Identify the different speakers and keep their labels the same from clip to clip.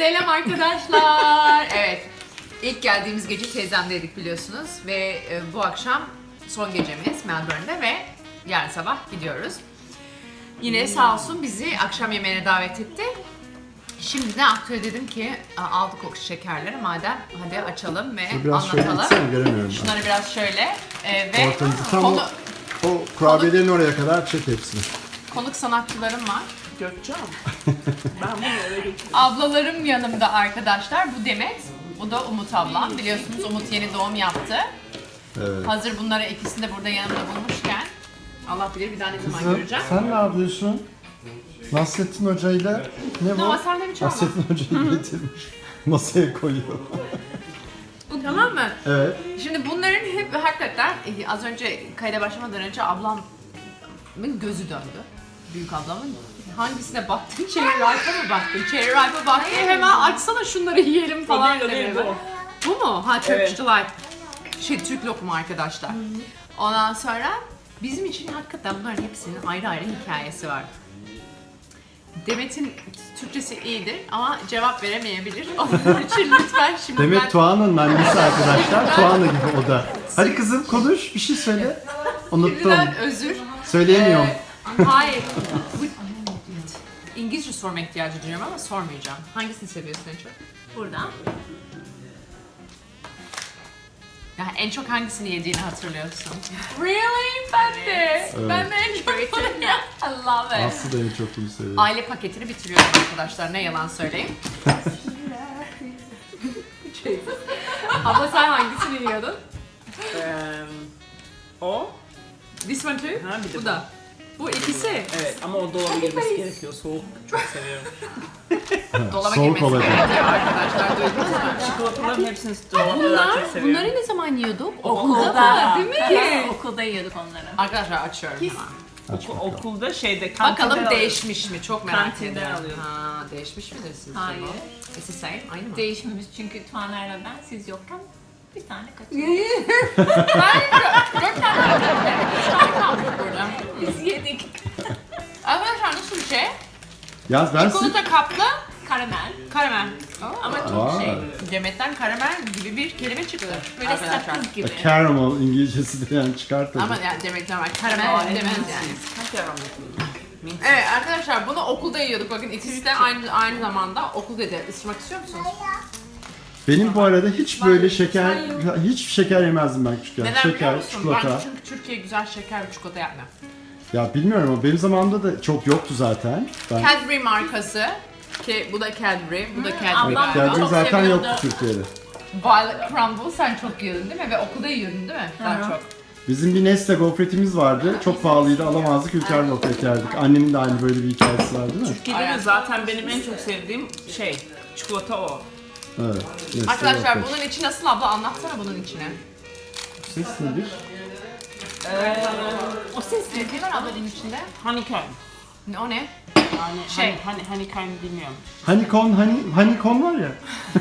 Speaker 1: Selam arkadaşlar. Evet. İlk geldiğimiz gece teyzemdeydik biliyorsunuz ve bu akşam son gecemiz Melbourne'de ve yarın sabah gidiyoruz. Yine sağ olsun bizi akşam yemeğine davet etti. Şimdi de aktöre dedim ki aldık o şekerleri madem hadi açalım ve
Speaker 2: biraz
Speaker 1: anlatalım.
Speaker 2: şöyle gitsene, göremiyorum ben.
Speaker 1: Şunları biraz şöyle ve
Speaker 2: Tam
Speaker 1: konu,
Speaker 2: o kurabiyelerin oraya kadar çek hepsini.
Speaker 1: konuk sanatçılarım var.
Speaker 3: Gökçen. Ben bunu eve götüreyim.
Speaker 1: Ablalarım yanımda arkadaşlar. Bu Demet, bu da Umut ablam. Biliyorsunuz Umut yeni doğum yaptı.
Speaker 2: Evet.
Speaker 1: Hazır bunları ikisini de burada yanımda bulmuşken Allah bilir bir daha ne zaman
Speaker 2: Kızım,
Speaker 1: göreceğim.
Speaker 2: sen ne yapıyorsun? Nasrettin Hoca'yla ne bu?
Speaker 1: No, sen de mi çalma?
Speaker 2: Nasrettin Hoca'yı getirmiş. Masaya koyuyor.
Speaker 1: Tamam mı?
Speaker 2: Evet.
Speaker 1: Şimdi bunların hep hakikaten az önce kayda başlamadan önce ablamın gözü döndü. Büyük ablamın. Hangisine baktın? Cherry Ripe'a mı baktın? Cherry Ripe'a baktın. Hemen açsana şunları yiyelim falan
Speaker 3: O değil,
Speaker 1: demeye.
Speaker 3: bu.
Speaker 1: Bu mu? Ha Turkish
Speaker 3: Evet.
Speaker 1: Delight. Türk lokumu arkadaşlar. Ondan sonra bizim için hakikaten bunların hepsinin ayrı ayrı hikayesi var. Demet'in Türkçesi iyidir ama cevap veremeyebilir. Onun için lütfen şimdi
Speaker 2: Demet Tuğan'ın annesi arkadaşlar. Tuğan'ı gibi o da. Hadi kızım konuş, bir şey söyle. Unuttum.
Speaker 1: şimdiden özür.
Speaker 2: Söyleyemiyorum.
Speaker 1: Hayır. İngilizce sorma ihtiyacı duyuyorum ama sormayacağım. Hangisini seviyorsun en çok?
Speaker 4: Buradan.
Speaker 1: Yani en çok hangisini yediğini hatırlıyorsun? Really? Ben de. Ben de en çok bunu I love it.
Speaker 2: Aslı da en çok bunu seviyor.
Speaker 1: Aile paketini bitiriyorum arkadaşlar. Ne yalan söyleyeyim. Abla sen hangisini yiyordun?
Speaker 3: O.
Speaker 1: This one too?
Speaker 3: Ha, bir de
Speaker 1: Bu da. Bu ikisi.
Speaker 3: Evet ama o dolaba girmesi gerekiyor. Soğuk. Çok seviyorum.
Speaker 1: Dolaba
Speaker 2: Soğuk
Speaker 1: girmesi
Speaker 2: olacak.
Speaker 1: gerekiyor arkadaşlar. Duydunuz mu?
Speaker 3: Çikolataların hepsini dolapta daha çok seviyorum.
Speaker 1: Bunları ne zaman yiyorduk?
Speaker 4: Okulda.
Speaker 1: Değil mi?
Speaker 4: Okulda yiyorduk onları.
Speaker 1: Arkadaşlar açıyorum hemen.
Speaker 2: Aç bakalım.
Speaker 3: Okulda kantinden
Speaker 1: Bakalım
Speaker 3: alıyordum.
Speaker 1: değişmiş mi? Çok merak
Speaker 3: Kantinden
Speaker 1: ediyorum.
Speaker 3: alıyorum.
Speaker 1: Ha, değişmiş midir sizce
Speaker 4: Hayır.
Speaker 1: bu? Is the same? Aynı mı?
Speaker 4: Değişmemiş çünkü Tuğaner'le ben siz yokken bir tane kaçırdık.
Speaker 1: Dört tane kalmış burada.
Speaker 4: Biz yedik.
Speaker 1: Arkadaşlar nasıl bir şey?
Speaker 2: Yaz ben size...
Speaker 1: Çikolata kaplı
Speaker 4: Karamel.
Speaker 1: karamel.
Speaker 4: Ama çok
Speaker 2: Aa.
Speaker 4: şey.
Speaker 1: Demet'ten karamel gibi bir kelime çıktı.
Speaker 4: Böyle
Speaker 1: arkadaşlar.
Speaker 4: sakız gibi.
Speaker 2: Caramel İngilizcesi de yani çıkartalım.
Speaker 1: Ama yani Demet'ten var. Karamel demez yani.
Speaker 3: Hangi aromatı?
Speaker 1: Evet arkadaşlar bunu okulda yiyorduk. Bakın ikisi de aynı zamanda okulda da ısırmak istiyor musunuz?
Speaker 2: Benim bu arada hiç böyle şeker, hiç şeker yemezdim ben küçükken.
Speaker 1: Neden biliyor
Speaker 2: Şeker,
Speaker 1: musun?
Speaker 2: çikolata.
Speaker 1: Ben çünkü Türkiye güzel şeker ve çikolata yapmıyor.
Speaker 2: Ya bilmiyorum ama benim zamanımda da çok yoktu zaten. Ben
Speaker 1: Cadbury markası ki bu da Cadbury, bu da Cadbury
Speaker 4: ablam
Speaker 1: galiba.
Speaker 2: Cadbury
Speaker 4: çok
Speaker 2: zaten
Speaker 4: seviyordu.
Speaker 2: yoktu Türkiye'de.
Speaker 1: Violet Crumble sen çok yiyordun değil mi? Ve okulda yiyordun değil mi? Daha çok.
Speaker 2: Bizim bir Nestle gofretimiz vardı. Çok pahalıydı, alamazdık. Ülker gofret yerdik. Annemin de aynı böyle bir hikayesi var değil mi?
Speaker 3: Türkiye'de de zaten benim en çok sevdiğim çikolata o.
Speaker 2: Evet. Nestle
Speaker 1: Arkadaşlar
Speaker 2: gofret.
Speaker 1: bunun içi nasıl abla? Anlatsana bunun içine.
Speaker 2: Ses nedir?
Speaker 4: O ses
Speaker 1: Ne var abla bunun içinde?
Speaker 3: Honeycomb.
Speaker 1: O ne?
Speaker 3: Yani honeycomb bilmiyorum.
Speaker 2: Honeycomb var ya.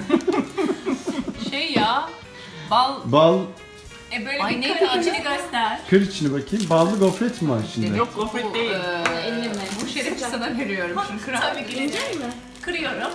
Speaker 1: Şey ya. Bal.
Speaker 2: Bal,
Speaker 4: böyle
Speaker 1: Ay,
Speaker 4: bir
Speaker 1: neydi
Speaker 4: kır
Speaker 1: adı?
Speaker 4: içini göster.
Speaker 2: kır içine bakayım. Ballı gofret mi var içinde?
Speaker 3: Yok gofret değil.
Speaker 4: Elini mi?
Speaker 1: Bu şerefi sana veriyorum. Şimdi kırar.
Speaker 4: Tabii ki. Kırıyorum.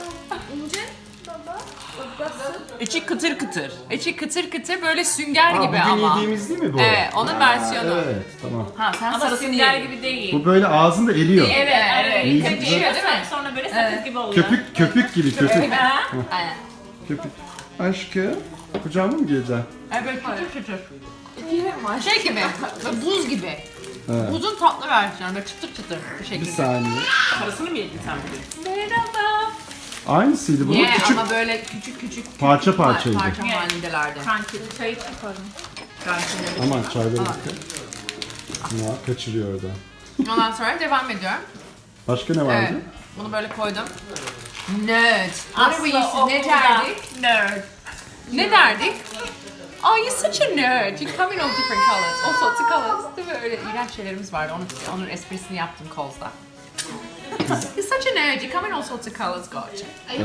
Speaker 3: İçi kıtır kıtır.
Speaker 1: İçi kıtır kıtır böyle sünger
Speaker 2: Aa,
Speaker 1: gibi
Speaker 2: bugün
Speaker 1: ama.
Speaker 2: yediğimiz değil mi bu?
Speaker 1: Evet, onun versiyonu.
Speaker 2: Evet, tamam.
Speaker 3: Ha sen
Speaker 4: Ama
Speaker 3: sarısını
Speaker 4: sünger
Speaker 3: yedin.
Speaker 4: gibi değil.
Speaker 2: Bu böyle ağzında eriyor.
Speaker 4: Evet, evet.
Speaker 2: İyi,
Speaker 4: İlk önce
Speaker 2: güzel.
Speaker 4: yiyorsun, sonra böyle sakız gibi oluyor.
Speaker 2: Köpük gibi köpük.
Speaker 4: Ha?
Speaker 1: Aynen.
Speaker 2: Köpük. Aşkım, kucağıma mı gireceksin?
Speaker 1: Evet, çıtır çıtır. Şey gibi, böyle buz gibi.
Speaker 2: Evet.
Speaker 1: Buzun tatlı versiyonu, böyle çıtır çıtır bir
Speaker 2: Bir
Speaker 1: şekilde.
Speaker 2: saniye.
Speaker 3: Sarısını mı yedin sen bugün?
Speaker 4: Merhaba.
Speaker 2: Aynısıydı bu.
Speaker 1: Yeah,
Speaker 2: Küçük
Speaker 1: ama böyle küçük küçük
Speaker 2: Parça parçaydı.
Speaker 1: parça halindelerdi.
Speaker 4: Kanki çayı çıkarım.
Speaker 2: Aman çayları bitti. Ya kaçırıyor orada.
Speaker 1: Ondan sonra devam ediyorum.
Speaker 2: Başka ne vardı?
Speaker 1: Evet, bunu böyle koydum. Nerd. What are we used to, ne
Speaker 4: okulda
Speaker 1: derdik?
Speaker 4: Nerd.
Speaker 1: Ne derdik? Oh, you're such a nerd. You come in all different colors. All sorts of colors. Değil mi? Öyle iğrenç şeylerimiz vardı. Onun esprisini yaptım Coles'da. You're such a nerd. You come in all sorts of colors. Gotcha.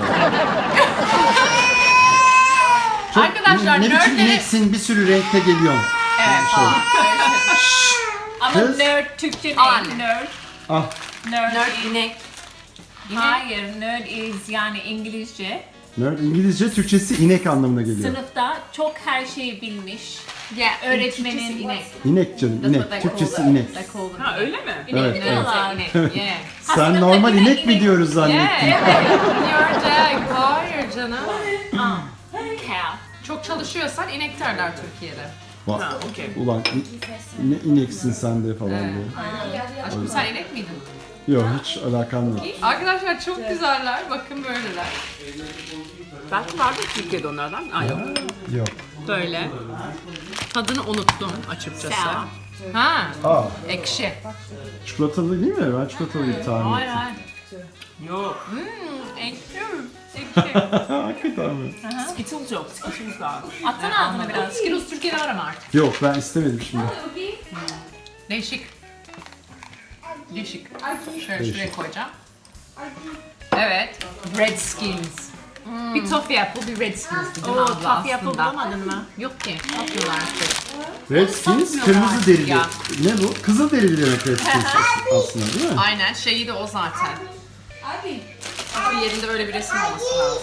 Speaker 1: Arkadaşlar
Speaker 2: ne biçim
Speaker 1: nerdleri...
Speaker 2: ineksin, bir sürü renkte geliyorsun.
Speaker 1: Evet falan. Öyle şey.
Speaker 4: Ama
Speaker 2: Kız.
Speaker 4: nerd Türkçe
Speaker 1: Anne.
Speaker 4: değil. Nerd.
Speaker 2: Ah,
Speaker 4: Nerd.
Speaker 1: Nerd inek.
Speaker 4: Hayır, nerd is yani İngilizce.
Speaker 2: Nerd İngilizce, Türkçesi inek anlamına geliyor.
Speaker 4: Sınıfta çok her şeyi bilmiş.
Speaker 1: Yeah,
Speaker 4: Öğretmenin-
Speaker 1: Türkçesi inek.
Speaker 2: İnek canım,
Speaker 1: That's what
Speaker 2: inek.
Speaker 1: they
Speaker 2: Türkçesi
Speaker 1: call it.
Speaker 2: inek.
Speaker 1: They call them
Speaker 3: Ha
Speaker 1: inek.
Speaker 3: öyle mi?
Speaker 2: Evet,
Speaker 4: İnek
Speaker 2: evet.
Speaker 4: diyorlar.
Speaker 1: İnek, yeah.
Speaker 2: Sen
Speaker 4: Aslında
Speaker 2: normal
Speaker 4: tabii
Speaker 2: inek mi
Speaker 4: inek.
Speaker 2: diyoruz zannettin?
Speaker 1: Your dog, hayır canım.
Speaker 4: Cow.
Speaker 1: Çok çalışıyorsan inek derler Türkiye'de.
Speaker 2: Bak,
Speaker 3: Ha okey.
Speaker 2: ulan ne ineksin sen de falan diye.
Speaker 1: Aşkım sen inek miydin?
Speaker 2: Yok, hiç alakam yok.
Speaker 1: Arkadaşlar çok güzeller. Bakın böyleler.
Speaker 3: Belki vardı Türkiye'de onlardan. Ay yok.
Speaker 2: Yok.
Speaker 1: Böyle. Tadını unuttum açıkçası.
Speaker 4: Sağ.
Speaker 1: Ha,
Speaker 2: Aa,
Speaker 1: ekşi.
Speaker 2: çikolatalı değil mi? Ben çikolatalı tahmin
Speaker 1: Hayır
Speaker 2: ettim.
Speaker 1: hayır.
Speaker 3: Yok.
Speaker 1: Ekşi. Ekşi.
Speaker 2: Hakikaten mi?
Speaker 3: Skittles yok. Skittles var.
Speaker 4: Atsana ağzına biraz.
Speaker 1: Skittles Türkiye'de var ama artık.
Speaker 2: Yok, ben istemedim şimdi.
Speaker 1: Değişik. Değişik. Şöyle
Speaker 2: Değişik.
Speaker 1: şuraya koyacağım. Evet. Redskins. Bir Toffee Apple, bir Redskins dedim
Speaker 4: Oo,
Speaker 1: abla
Speaker 4: toffee apple
Speaker 1: aslında.
Speaker 4: bulamadın mı?
Speaker 1: Yok ki. Atmıyorlar artık.
Speaker 2: Redskins
Speaker 1: Satmıyorlar
Speaker 2: kırmızı derili.
Speaker 1: ya.
Speaker 2: Ne bu? Kızıl derili demek Redskins aslında değil mi?
Speaker 1: Aynen şeyi de o zaten. Bu yerinde öyle bir resim olması lazım.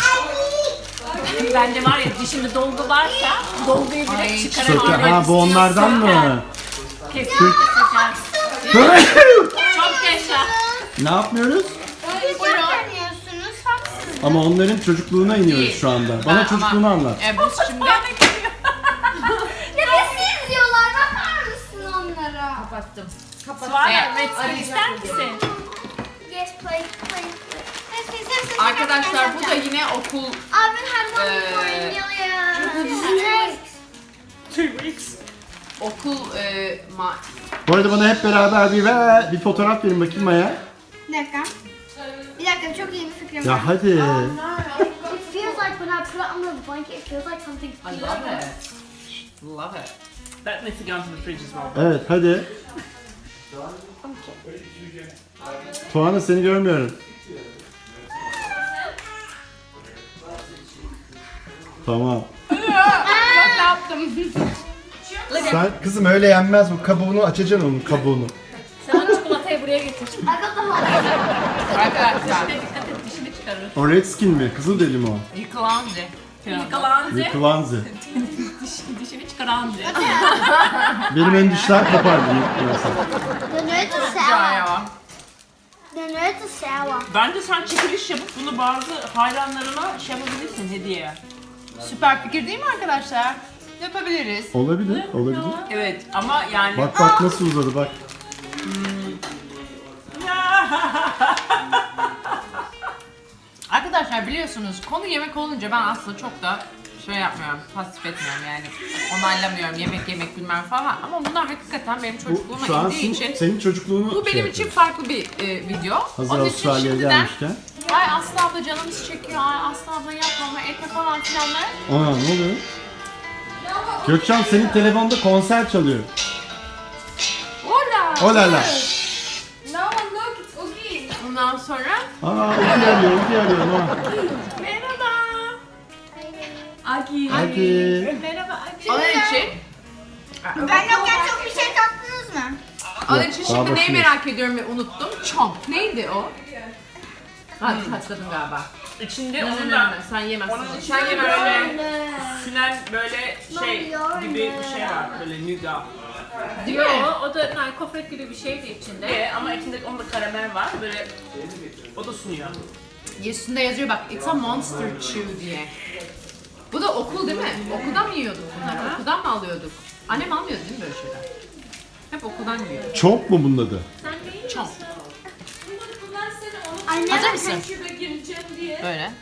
Speaker 4: Bence var ya dişinde dolgu varsa dolguyu bile
Speaker 1: Ay,
Speaker 4: çıkaramam.
Speaker 2: Söker. Ha, bu onlardan mı?
Speaker 4: Kesinlikle söker. Çok yaşa.
Speaker 2: Ne yapmıyoruz?
Speaker 5: Siz yapamıyorsunuz, haksız.
Speaker 2: Ama onların çocukluğuna iniyoruz şu anda. Bana çocukluğunu anlat.
Speaker 1: Biz şimdi...
Speaker 5: Ya siz diyorlar, bakar mısın onlara?
Speaker 1: Kapattım.
Speaker 4: Suara Redskins ister misin?
Speaker 5: Yes, play. Yes,
Speaker 1: Arkadaşlar bu da yine okul
Speaker 5: I've been had one before in Nelia.
Speaker 3: Two weeks.
Speaker 1: okul
Speaker 2: Bu arada bana hep beraber bir fotoğraf verin bakayım Maya.
Speaker 5: Bir dakika. Bir dakika, çok iyi bir fikrim var.
Speaker 2: Ya hadi.
Speaker 5: It feels like when I put it under the blanket, it feels like something
Speaker 1: I love it. Love it.
Speaker 3: That needs to go into the fridge as well.
Speaker 2: Evet hadi. Tuana seni görmüyorum. Tamam.
Speaker 1: Ne yaptım?
Speaker 2: Sen kızım öyle yenmez bu kabuğunu açacaksın onun kabuğunu.
Speaker 4: Sen o çikolatayı buraya getir.
Speaker 5: I got the whole
Speaker 1: Arkadaşlar
Speaker 4: Dikkat et dişini çıkarır.
Speaker 2: O Redskin mi? Kızıl deli mi o?
Speaker 1: yıkılandı.
Speaker 4: Yıkalandı.
Speaker 2: Yıkılanzi.
Speaker 4: Dişini çıkarandı.
Speaker 2: Benim ön dişler kopardı yıkılırsa.
Speaker 5: The nerds are
Speaker 1: Güzel
Speaker 5: sour.
Speaker 1: ya.
Speaker 5: The nerds are sour.
Speaker 3: Bence sen çekiliş yapıp bunu bazı hayranlarına şey yapabilirsin hediye.
Speaker 1: Süper fikir değil mi arkadaşlar? Yapabiliriz.
Speaker 2: Olabilir, olabilir.
Speaker 3: Evet ama yani...
Speaker 2: Bak bak nasıl uzadı bak.
Speaker 1: Arkadaşlar biliyorsunuz konu yemek olunca ben aslında çok da şey yapmıyorum, pasif etmiyorum yani. Onaylamıyorum yemek bilmem falan ama bunlar hakikaten benim
Speaker 2: Bu
Speaker 1: çocukluğuma
Speaker 2: şu an
Speaker 1: indiği için
Speaker 2: senin çocukluğunu
Speaker 1: bu benim için farklı bir video.
Speaker 2: Hazır
Speaker 1: Onun için
Speaker 2: Avustralya'ya
Speaker 1: şimdiden
Speaker 2: gelmişken.
Speaker 1: ay Aslı abla canımız çekiyor, ay Aslı abla yapmama etme falan filanlar.
Speaker 2: Aa ne oluyor? Gökçen senin telefonda konser çalıyor.
Speaker 1: Hola!
Speaker 2: Olala.
Speaker 1: Ondan sonra
Speaker 2: Aa Ugi arıyor, Ugi arıyor. Ha.
Speaker 1: merhaba.
Speaker 4: Aki.
Speaker 2: Hadi.
Speaker 4: Merhaba Aki.
Speaker 1: Onun için
Speaker 5: Ben yokken çok bir şey tattınız mı?
Speaker 1: Onun
Speaker 2: Yok,
Speaker 1: için
Speaker 2: daha
Speaker 1: şimdi neyi
Speaker 2: başındayız.
Speaker 1: merak ediyorum ve unuttum. Chomp. Neydi o? Hatırladım galiba.
Speaker 3: İçinde onun da...
Speaker 1: Sen yemezsin.
Speaker 3: Onun
Speaker 1: Sen
Speaker 3: içinde
Speaker 1: yemezsin.
Speaker 3: böyle sinen böyle şey gibi bir şey var. Böyle nougat.
Speaker 1: Değil
Speaker 4: Yo,
Speaker 1: mi?
Speaker 4: o da kofret gibi bir şeydi içinde.
Speaker 3: Ama içinde onda karamel var. Böyle o da sunuyor.
Speaker 1: Üstünde yazıyor bak, it's a monster chew diye. Bu da okul değil mi? Okuldan mı yiyorduk bunları? Okuldan mı alıyorduk? Annem almıyordu değil mi böyle şeyler? Hep okuldan yiyor.
Speaker 2: Çok mu bunun adı?
Speaker 4: Sen ne yiyorsun?
Speaker 1: Chomp.
Speaker 5: Anne,
Speaker 1: Hazır mısın? Böyle.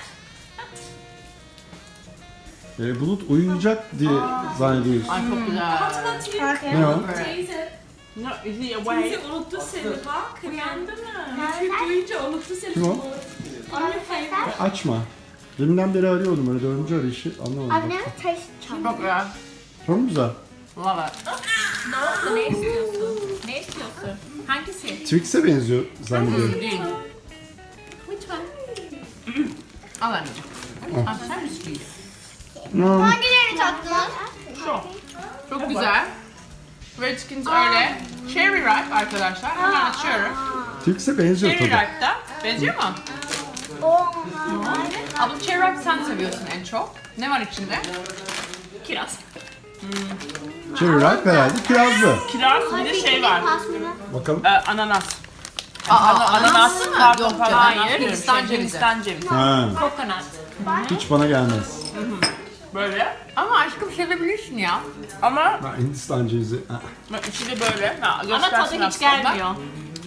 Speaker 2: Bulut uyuyacak diye zannediyoruz.
Speaker 1: Ay çok güzel.
Speaker 2: Ne o?
Speaker 3: No, is he away?
Speaker 4: Unuttu seni bak. Uyandı mı?
Speaker 5: Duyunca
Speaker 2: Kim o? Açma. Deminden beri arıyordum öyle dördüncü arayışı anlamadım.
Speaker 5: I've never tasted chocolate.
Speaker 1: Çok güzel.
Speaker 2: Çok mu güzel?
Speaker 1: Love it.
Speaker 4: Ne oldu? Ne istiyorsun? Ne istiyorsun? Hangisi?
Speaker 2: Twix'e benziyor zannediyorum.
Speaker 1: Değil.
Speaker 4: Which one?
Speaker 1: Al anneciğim. Al sen misin?
Speaker 5: Hangilerini tattınız?
Speaker 1: Çok güzel. Redskins öyle. Cherry Ripe arkadaşlar. Hemen açıyorum.
Speaker 2: Twix'e benziyor
Speaker 1: Cherry
Speaker 2: tadı.
Speaker 1: Ripe'da. Benziyor mu? Abla cherry ripe sen seviyorsun en çok. Ne var içinde?
Speaker 4: Kiraz.
Speaker 2: Cherry ripe herhalde kirazlı.
Speaker 3: Kiraz bir de şey var.
Speaker 2: Bakalım.
Speaker 3: Ananas.
Speaker 1: Ananas mı?
Speaker 3: pardon,
Speaker 1: Yok
Speaker 3: pardon.
Speaker 1: canım.
Speaker 3: Hayır,
Speaker 1: Hindistan cevizi.
Speaker 3: Hindistan cevizi.
Speaker 2: Ha,
Speaker 4: Kokonat.
Speaker 2: hiç bana gelmez.
Speaker 3: Böyle.
Speaker 1: Ama aşkım sevebilirsin ya.
Speaker 3: Ama
Speaker 2: Ha, Hindistan cevizi. Ha.
Speaker 3: içi de böyle. Ha,
Speaker 4: Ama
Speaker 3: göstersin
Speaker 4: tadı hiç
Speaker 3: aslında.
Speaker 4: gelmiyor.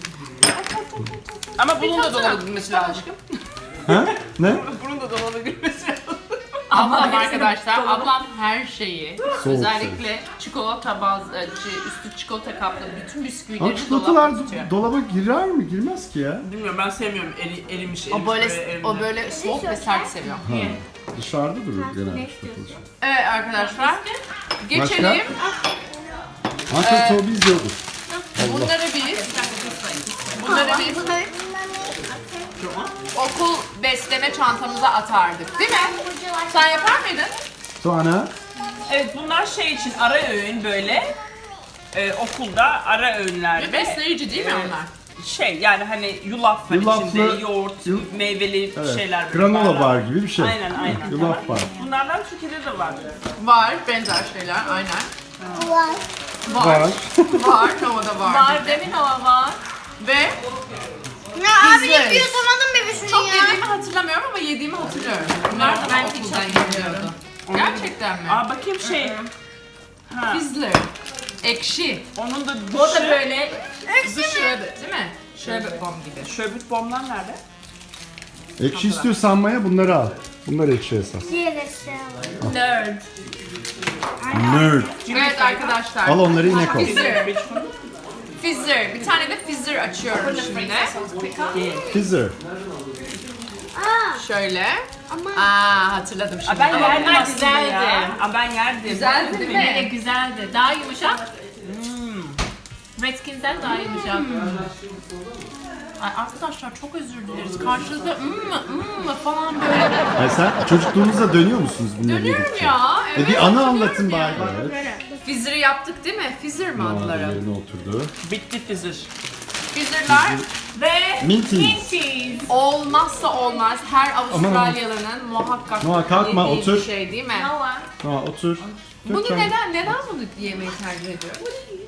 Speaker 3: Ama bunun da dolanabilmesi lazım.
Speaker 2: Ha? Ne?
Speaker 3: Bunun da dolanabilmesi lazım.
Speaker 1: Ablam arkadaşlar, ablam her şeyi,
Speaker 2: Soğuk
Speaker 1: özellikle çikolata üstü çikolata kaplı bütün
Speaker 2: Ama
Speaker 1: bisküvileri
Speaker 2: çikolatalar
Speaker 1: dolapta tutuyor.
Speaker 2: dolaba girer mi? Girmez ki ya.
Speaker 3: Bilmiyorum ben sevmiyorum erimiş.
Speaker 1: O böyle soğuk ve sert seviyor.
Speaker 2: Ha. Dışarıda durur genelde çikolatalar.
Speaker 1: Evet arkadaşlar, geçelim.
Speaker 2: Ankara soğuğu izliyorduk.
Speaker 1: Bunları biz okul besleme çantamıza atardık, değil mi? Sen yapar mıydın?
Speaker 2: Sonra
Speaker 3: Evet bunlar şey için ara öğün böyle. Okulda ara öğünlerde.
Speaker 1: Besleyici değil mi onlar?
Speaker 3: Şey yani hani yulaf var
Speaker 2: Yulaflı-
Speaker 3: içinde, yoğurt, meyveli
Speaker 2: evet,
Speaker 3: şeyler.
Speaker 2: granola
Speaker 3: barlar.
Speaker 2: bar gibi bir şey.
Speaker 3: Aynen.
Speaker 2: Yulaf bar.
Speaker 3: Bunlardan Türkiye'de de var.
Speaker 1: Var, benzer şeyler, aynen.
Speaker 2: Var.
Speaker 1: Var, Nova'da var.
Speaker 4: Var demin hava var.
Speaker 1: Ve
Speaker 5: Abi
Speaker 1: Güzel.
Speaker 5: yapıyor tanıdım bebesini
Speaker 1: çok
Speaker 5: ya.
Speaker 1: yediğimi hatırlamıyorum ama yediğimi hatırlıyorum. Bunlar da ben okuldan geliyordu. Gerçekten mi?
Speaker 3: Aa bakayım şey. Ha,
Speaker 1: Fizzler. Ekşi.
Speaker 3: onun da
Speaker 1: O da
Speaker 3: dışı.
Speaker 1: böyle bu şöbet değil mi? Şöbet bomb gibi.
Speaker 3: Şöbüt bomblar nerede?
Speaker 2: Ekşi istiyorsan Maya bunları al. Bunlar ekşi esas.
Speaker 4: Nerd.
Speaker 2: Nerd.
Speaker 1: Evet arkadaşlar.
Speaker 2: Al onları yine koy.
Speaker 1: Fizzer. Fizzer. Bir tane de fizzer açıyorum şimdi.
Speaker 2: Fizzer.
Speaker 1: Şöyle. Aa hatırladım şimdi.
Speaker 3: Ben yerdim
Speaker 4: bunlar
Speaker 3: aslında
Speaker 4: güzeldi.
Speaker 3: ya. Aa, ben yerdim.
Speaker 1: Güzeldi değil
Speaker 4: Yine
Speaker 1: mi?
Speaker 4: güzeldi. Daha yumuşak. Redskins'den daha yumuşak.
Speaker 1: Ay arkadaşlar çok özür dileriz. Karşınızda falan böyle.
Speaker 2: Ay sen çocukluğunuzda dönüyor musunuz bunları
Speaker 1: Dönüyorum
Speaker 2: yedikçe?
Speaker 1: ya. Evet,
Speaker 2: Bir anı
Speaker 1: dönüyorum
Speaker 2: anlatın
Speaker 1: ya.
Speaker 2: bari. Evet.
Speaker 1: Fizzer'ı yaptık değil mi? Fizzer mi adları?
Speaker 2: Yerine oturdu.
Speaker 3: Bitti fizir.
Speaker 1: Fizzer'lar
Speaker 4: Ve
Speaker 2: Minties.
Speaker 4: Minties.
Speaker 1: olmazsa olmaz her Avustralyalı'nın muhakkak
Speaker 2: Noah, kalkma,
Speaker 1: yediği
Speaker 2: otur.
Speaker 1: bir şey değil mi?
Speaker 4: Noah.
Speaker 2: Ha otur.
Speaker 1: Bunu
Speaker 2: Lütfen.
Speaker 1: neden bunu yemeyi tercih ediyoruz?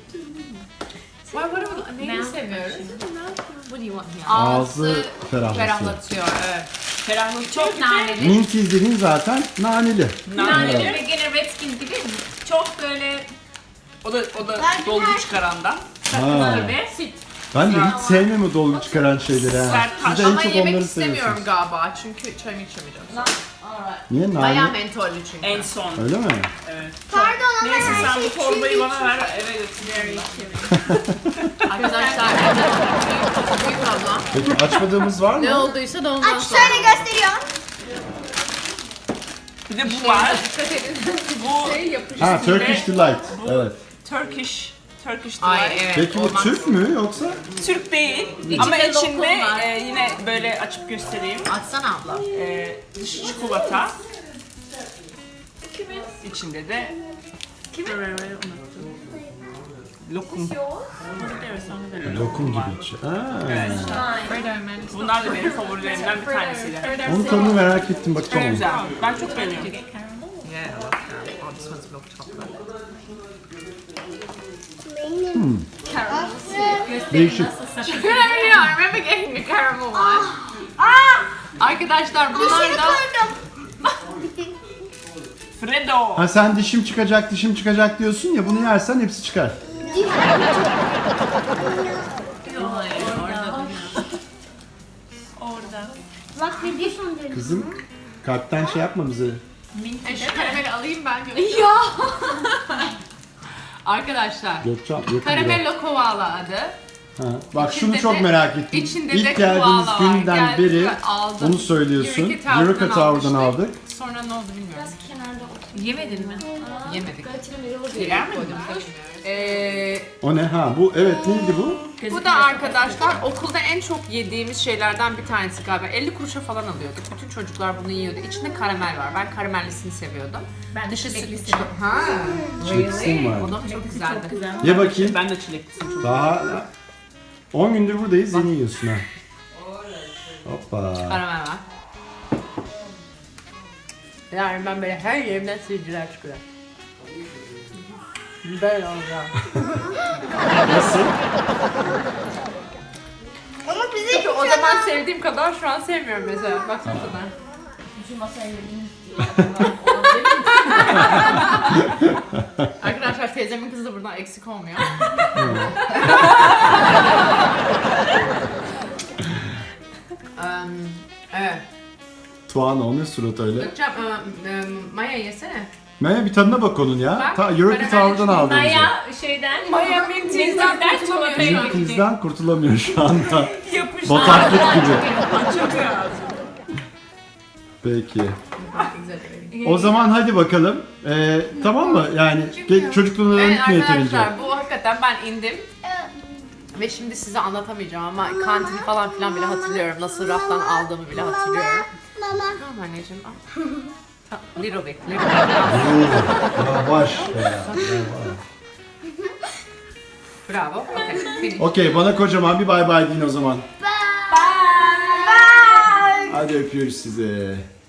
Speaker 1: Neyi seviyoruz?
Speaker 4: What do you want here?
Speaker 2: Ağzı ferahlatıyor.
Speaker 1: ferahlatıyor. Evet.
Speaker 3: Ferahlık
Speaker 4: Çok naneli.
Speaker 2: Minties dediğin zaten naneli.
Speaker 4: Naneli ve gene Redskins gibi çok böyle
Speaker 3: O da dolgu çıkarandan.
Speaker 2: Ha.
Speaker 4: ve süt.
Speaker 2: Ben de hiç sevmem o dolgu çıkaran şeyleri ha.
Speaker 3: Sert
Speaker 2: Siz de en
Speaker 1: Ama
Speaker 2: çok
Speaker 1: yemek
Speaker 2: onları
Speaker 1: istemiyorum
Speaker 2: seviyorsunuz.
Speaker 1: galiba çünkü çayımı içemeyeceğim.
Speaker 2: Niye
Speaker 1: Bayağı
Speaker 2: nane?
Speaker 1: mentollü çünkü.
Speaker 3: En son.
Speaker 2: Öyle mi?
Speaker 3: Evet.
Speaker 5: Pardon ama
Speaker 3: Neyse
Speaker 5: her
Speaker 3: sen
Speaker 5: şey
Speaker 3: bu torbayı
Speaker 5: çiğ
Speaker 3: bana ver eve götür.
Speaker 1: Arkadaşlar büyük abla.
Speaker 2: Peki açmadığımız var
Speaker 1: Ne
Speaker 2: mı?
Speaker 1: olduysa da ondan
Speaker 5: Aç
Speaker 1: sonra.
Speaker 5: şöyle gösteriyorum.
Speaker 3: Bir de bu var.
Speaker 1: Dikkat edin.
Speaker 3: Bu
Speaker 1: Şey yapış.
Speaker 2: Ha Turkish Delight. Evet.
Speaker 3: Turkish
Speaker 1: Ay
Speaker 3: delight.
Speaker 1: evet.
Speaker 2: Peki bu
Speaker 1: olmaz.
Speaker 2: Türk mü yoksa?
Speaker 3: Türk değil
Speaker 4: İçinde
Speaker 3: ama içinde
Speaker 4: lokum var.
Speaker 3: yine böyle açıp göstereyim.
Speaker 1: Açsana abla.
Speaker 3: Dışı çikolata. İçinde de lokum.
Speaker 2: Lokum gibi içi. Ha.
Speaker 3: Bunlar da benim favorilerimden bir tanesiydi.
Speaker 2: Onun tadını merak ettim
Speaker 3: Çok
Speaker 2: bakacağım.
Speaker 3: güzel. Ben çok beğeniyorum.
Speaker 1: Yeah, I love caramel. Oh, this one's milk chocolate.
Speaker 2: Değişik.
Speaker 1: Yeah, I remember getting the caramel one. Arkadaşlar bunlar
Speaker 5: Dışarı
Speaker 1: da
Speaker 5: koydum.
Speaker 3: Fredo.
Speaker 2: Ha sen dişim çıkacak diyorsun ya bunu yersen hepsi çıkar.
Speaker 4: Orada.
Speaker 5: Bak ne diyorsun dedim.
Speaker 2: Kızım kalpten şey yapma bize.
Speaker 1: şu karameli alayım ben Gökçe. Ya. Arkadaşlar
Speaker 2: Gökçen, yakın biraz.
Speaker 1: Caramello Koala adı.
Speaker 2: Ha. Bak şunu
Speaker 1: İçinde
Speaker 2: çok
Speaker 1: de-
Speaker 2: merak ettim.
Speaker 1: içinde de
Speaker 2: İlk geldiğimiz
Speaker 1: koala var.
Speaker 2: günden
Speaker 1: Geldim
Speaker 2: beri
Speaker 1: ve aldım.
Speaker 2: onu söylüyorsun.
Speaker 1: Eureka Tower'dan
Speaker 2: Eureka Tower'dan
Speaker 1: almıştık.
Speaker 2: aldık.
Speaker 1: Sonra ne oldu bilmiyorum.
Speaker 4: Yemedin mi?
Speaker 1: Yemedik.
Speaker 3: Yer mi?
Speaker 2: O ne? Ha bu evet neydi bu?
Speaker 1: Bu da arkadaşlar okulda en çok yediğimiz şeylerden bir tanesi galiba. 50 kuruşa falan alıyorduk. Bütün çocuklar bunu yiyordu. İçinde karamel var. Ben karamellisini seviyordum.
Speaker 4: Ben de
Speaker 1: Dışı
Speaker 4: çilekli
Speaker 1: süt.
Speaker 4: seviyorum.
Speaker 1: Ha.
Speaker 2: Çileklisin var.
Speaker 1: O da çok güzeldi.
Speaker 4: Çok güzel.
Speaker 2: Ye bakayım.
Speaker 3: Ben de çileklisin çok.
Speaker 2: Daha 10 gündür buradayız yeni yiyorsun ha. Hoppa.
Speaker 1: Karamel var. Yani ben böyle her yerimden sivilceler çıkıyor. Böyle olacağım.
Speaker 2: Nasıl?
Speaker 5: Ama bize
Speaker 1: Çünkü o zaman sevdiğim kadar şu an sevmiyorum mesela. Baksana sana.
Speaker 4: Şu masaya yediğiniz
Speaker 1: Arkadaşlar teyzemin kızı da buradan eksik olmuyor. Evet.
Speaker 2: Tuana o ne surat öyle?
Speaker 1: Bakacağım. Maya yesene.
Speaker 2: Maya bir tadına bak onun ya.
Speaker 1: Bak,
Speaker 2: Europe
Speaker 1: ben
Speaker 2: Tower'dan
Speaker 1: hemen
Speaker 2: aldığımız.
Speaker 4: Maya şeyden,
Speaker 1: Maya Minty'den
Speaker 4: çikolataya
Speaker 1: kurtulamıyor.
Speaker 4: gitti.
Speaker 2: Bizden kurtulamıyor şu anda.
Speaker 3: Yapıştı.
Speaker 2: Bataklık gibi.
Speaker 3: Çok lazım.
Speaker 2: Peki.
Speaker 1: Güzel.
Speaker 2: O zaman hadi bakalım. Tamam mı? Yani çocukluğuna
Speaker 1: Evet
Speaker 2: gitme yeterince.
Speaker 1: arkadaşlar bu hakikaten ben indim. Ve şimdi size anlatamayacağım ama kantini falan filan bile hatırlıyorum. Nasıl raftan aldığımı bile hatırlıyorum.
Speaker 5: Mama.
Speaker 1: Tamam anneciğim al. Little bit.
Speaker 2: Yavaş.
Speaker 1: Bravo. Okay. Finish.
Speaker 2: Okey bana kocaman bir bay bay deyin o zaman.
Speaker 5: Bye.
Speaker 2: Hadi öpüyoruz sizi.